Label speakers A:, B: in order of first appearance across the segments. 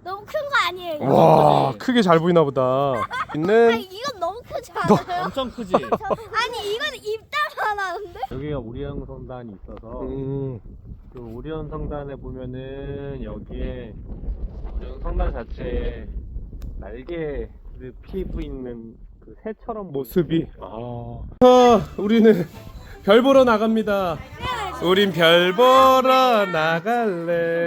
A: 너무 큰 거 아니에요? 이거?
B: 와, 크게 잘 보이나 보다. 있는
A: 이건 너무 크지 않아요?
C: 엄청 크지?
A: 아니 이건 입다만 하는데?
C: 여기가 오리온 성단이 있어서 그 오리온 성단에 보면은 여기에 오리온 성단 자체에 날개를 피고 있는 그 새처럼
B: 모습이. 우리는 별 보러 나갑니다. 우린 별 보러 나갈래.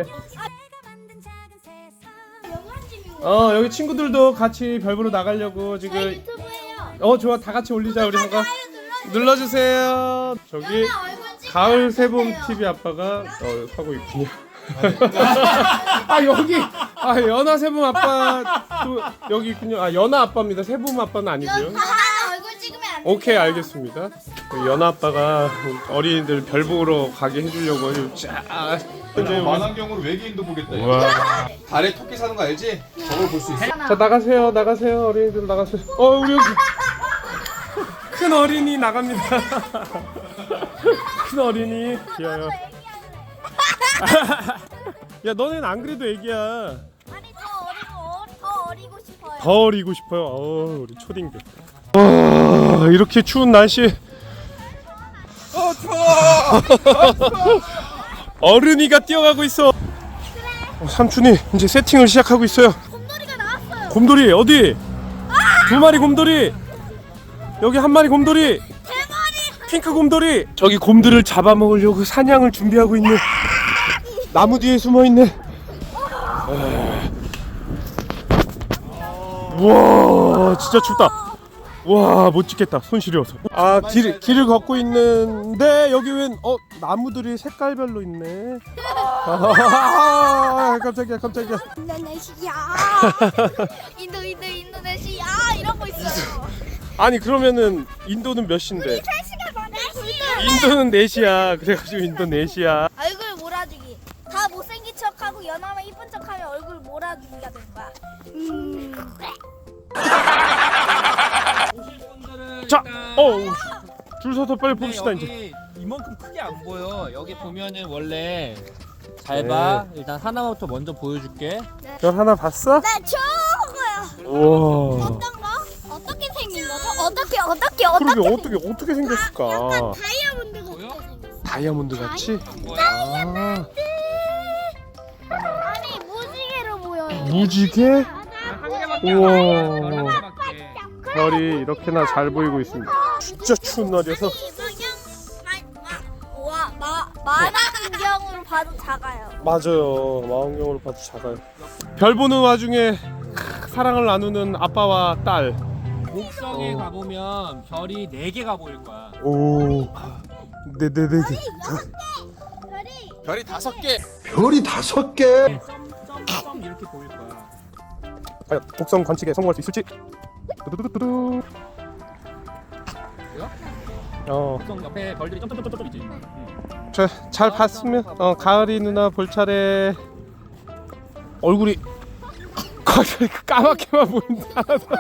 B: 여기 친구들도 같이 별 보러 나가려고 지금.
A: 저희 유튜브예요.
B: 좋아, 다 같이 올리자 우리 한번. 눌러주세요. 저기 가을 새봄 TV 아빠가 하고 있군요. 여기 연하 새봄 아빠도 여기 있군요. 연하 아빠입니다. 새봄 아빠는 아니고요.
A: 얼굴 찍으면 안 돼.
B: 오케이, 알겠습니다. 연하 아빠가 어린이들 별 보러 가게 해주려고 쫙.
D: 만환경으로 외계인도 보겠다.
B: 와.
D: 달에 토끼 사는 거 알지? 저걸 볼 수 있어.
B: 자, 나가세요, 어린이들 나가세요. 우리 여기 큰 어린이 나갑니다. 큰 어린이 귀여워. 야, 너넨 안 그래도 애기야.
A: 아니 더 어리고 싶어요.
B: 더 어리고 싶어요. 우리 초딩들. 와, 이렇게 추운 날씨. 어른이가 뛰어가고 있어. 삼촌이 이제 세팅을 시작하고 있어요.
A: 곰돌이가 나왔어요.
B: 곰돌이 어디? 두 마리 곰돌이. 여기 한 마리 곰돌이. 핑크 곰돌이. 저기 곰들을 잡아먹으려고 사냥을 준비하고 있는 나무 뒤에 숨어 있네. 우와, 진짜 춥다. 와, 못 찍겠다. 손 시려워서. 길을 걷고 있는데 여기 웬 나무들이 색깔별로 있네. 깜짝이야.
A: 인도네시아. 인도네시아 이런 거 있어요.
B: 아니, 그러면은 인도는 몇 시인데?
A: 3시간 만에
B: 인도는 4시야. 그래가지고 인도네시아.
A: 얼굴 몰아주기. 다 못생긴 척하고 연하면 이쁜 척하면 얼굴 몰아주기가 된 거야.
B: 자, 줄 서서 빨리 봅시다 이제.
C: 여기 이만큼 크게 안 보여. 여기 보면은 원래 잘 봐. 일단 하나부터 먼저 보여줄게.
B: 별 하나 봤어?
A: 나 저거야.
B: 우와.
A: 어떤 거? 어떻게 생긴 거죠? 어떻게?
B: 그러게 어떻게 생겼을까?
A: 다이아몬드
C: 보여?
A: 같게 생겼어.
B: 다이아몬드 같이?
A: 아니 무지개로 보여요.
B: 무지개?
C: 한 개밖에
B: 우와.
C: 한 개밖에.
B: 별이 이렇게나 잘 보이고 있습니다. 진짜 추운 날이어서.
A: 만화경으로 봐도 작아요.
B: 맞아요. 망원경으로 봐도 작아요. 별 보는 와중에 사랑을 나누는 아빠와 딸.
C: 목성에 가보면 별이 4개가 보일 거야.
B: 오. 네.
A: 별이
D: 별이 5개.
E: 별이 5개.
C: 점점점 이렇게 보일 거야.
B: 과연 곡성 관측에 성공할 수 있을지? 두두두두두.
C: 목성 옆에 별들이 점점점점 있지.
B: 잘 봤으면 가을이 누나 볼 차례. 얼굴이 까맣게만 보인다.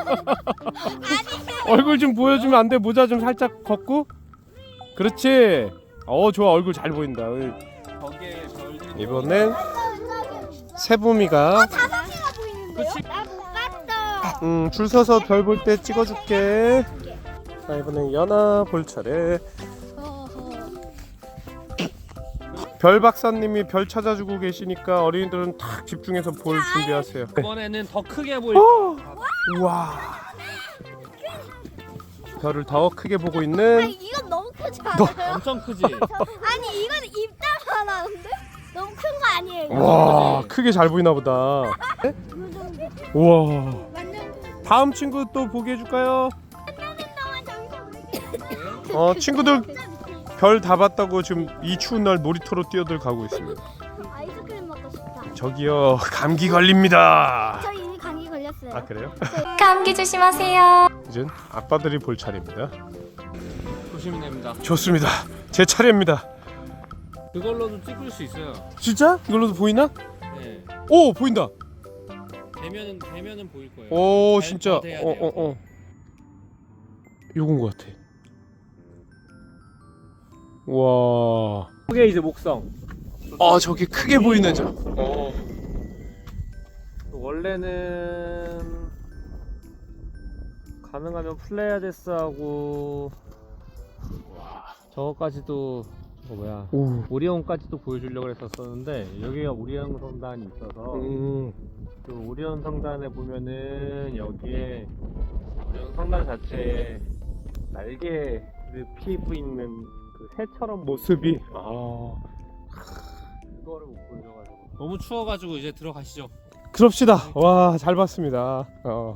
B: 얼굴 좀 보여주면 안 돼? 모자 좀 살짝 걷고. 그렇지. 좋아, 얼굴 잘 보인다.
C: 거기에 별들이
B: 이번엔 세봄이가
A: 5개가 보이는데요? 나못 봤어.
B: 줄 서서 별 볼 때 찍어줄게. 자, 이번엔 연아 볼 차례. 별 박사님이 별 찾아주고 계시니까 어린이들은 탁 집중해서 볼 준비하세요.
C: 이번에는 더 크게 보일 거야.
B: 우와. 별을 더 크게 보고 있는.
A: 이건 너무 크지 않아요?
C: 엄청 크지?
A: 아니 이건 입다만 하는데? 너무 큰 거 아니에요?
B: 와, 크게 잘 보이나 보다. 우와. 다음 친구 또 보게 해줄까요? 친구들 별 다 봤다고 지금 이 추운 날 놀이터로 뛰어들 가고 있습니다.
A: 아이스크림 먹고 싶다.
B: 저기요, 감기 걸립니다.
A: 저 이미 감기 걸렸어요.
B: 그래요?
F: 감기 조심하세요.
B: 이젠 아빠들이 볼 차례입니다.
C: 조심히 됩니다.
B: 좋습니다. 제 차례입니다.
C: 그걸로도 찍을 수 있어요.
B: 진짜? 이걸로도 보이나?
C: 네.
B: 오, 보인다.
C: 되면은 보일 거예요.
B: 오,
C: 잘
B: 진짜.
C: 돼야 돼요.
B: 요건 것 같아. 와.
C: 그게 이제 목성.
B: 저기 크게 보이네 저.
C: 원래는 가능하면 플레이아데스하고 저거까지도 저거 뭐야
B: 오.
C: 오리온까지도 보여주려고 했었었는데 여기가 오리온 성단이 있어서 그 오리온 성단에 보면은 여기에 오리온 성단 자체에 날개를 피고 있는 그 새처럼
B: 모습이
C: 그거를 못 보여줘가지고 너무 추워가지고 이제 들어가시죠.
B: 그럽시다. 와, 잘 봤습니다.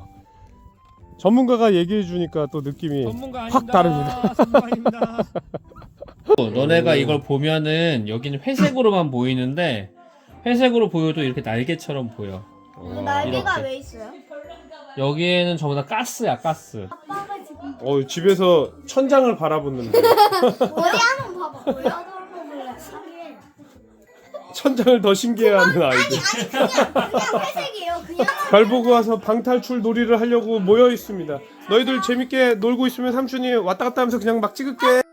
B: 전문가가 얘기해 주니까 또 느낌이
C: 전문가
B: 확 다릅니다.
C: 전문가입니다. 너네가 이걸 보면은 여기는 회색으로만 보이는데 회색으로 보여도 이렇게 날개처럼 보여.
A: 날개가
C: 이렇게.
A: 왜 있어요?
C: 여기에는 전부 다 가스야 가스.
A: 아빠가 지금
B: 집에서 천장을 바라보는데
A: 어디 한번 봐봐. 나도 한번 볼래. 사기에.
B: 천장을 더 신기해하는 아이들.
A: 그냥 회색이에요. 그냥.
B: 별 보고 와서 방탈출 놀이를 하려고 모여 있습니다. 너희들 재밌게 놀고 있으면 삼촌이 왔다 갔다 하면서 그냥 막 찍을게.